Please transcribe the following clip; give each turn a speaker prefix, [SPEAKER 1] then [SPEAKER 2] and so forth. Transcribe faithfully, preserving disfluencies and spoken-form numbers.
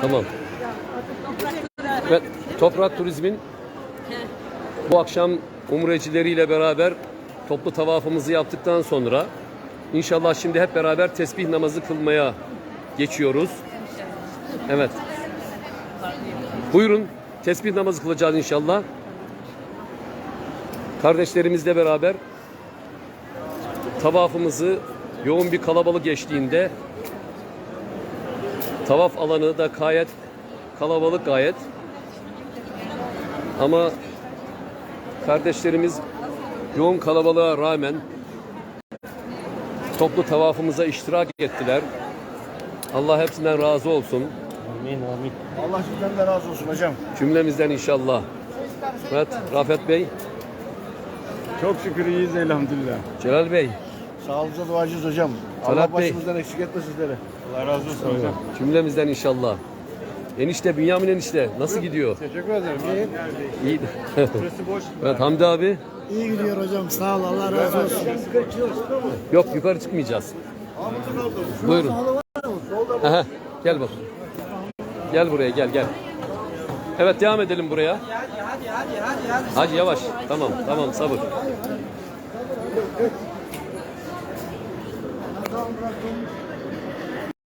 [SPEAKER 1] Tamam. Evet, Toprak Turizm'in bu akşam umrecileriyle beraber toplu tavafımızı yaptıktan sonra inşallah şimdi hep beraber tesbih namazı kılmaya geçiyoruz. Evet. Buyurun, tesbih namazı kılacağız inşallah. Kardeşlerimizle beraber tavafımızı yoğun bir kalabalık geçtiğinde, tavaf alanı da gayet kalabalık gayet. Ama kardeşlerimiz yoğun kalabalığa rağmen toplu tavafımıza iştirak ettiler. Allah hepsinden razı olsun.
[SPEAKER 2] Amin amin.
[SPEAKER 3] Allah sizden de razı olsun hocam.
[SPEAKER 1] Cümlemizden inşallah. Evet, Rafet Bey,
[SPEAKER 2] Çok şükür iyiyiz elhamdülillah.
[SPEAKER 1] Celal Bey,
[SPEAKER 3] Sağlığınıza duacıyız hocam.
[SPEAKER 1] Talat
[SPEAKER 3] Allah
[SPEAKER 1] Bey.
[SPEAKER 3] başımızdan eksik etme sizleri.
[SPEAKER 2] Allah razı olsun hocam.
[SPEAKER 1] cümlemizden inşallah. Enişte, Bünyamin enişte nasıl gidiyor?
[SPEAKER 2] Teşekkür ederim. İyi.
[SPEAKER 1] İyi.
[SPEAKER 2] Burası boş.
[SPEAKER 1] Evet, Hamdi abi.
[SPEAKER 4] İyi gidiyor hocam. Sağ ol. Allah razı olsun.
[SPEAKER 1] Yok, yukarı çıkmayacağız. Buyurun. Aha, gel bak. Gel buraya, gel gel. Evet, devam edelim buraya. Hadi yavaş. Tamam, tamam, sabır.
[SPEAKER 4] Tamam, bıraktım.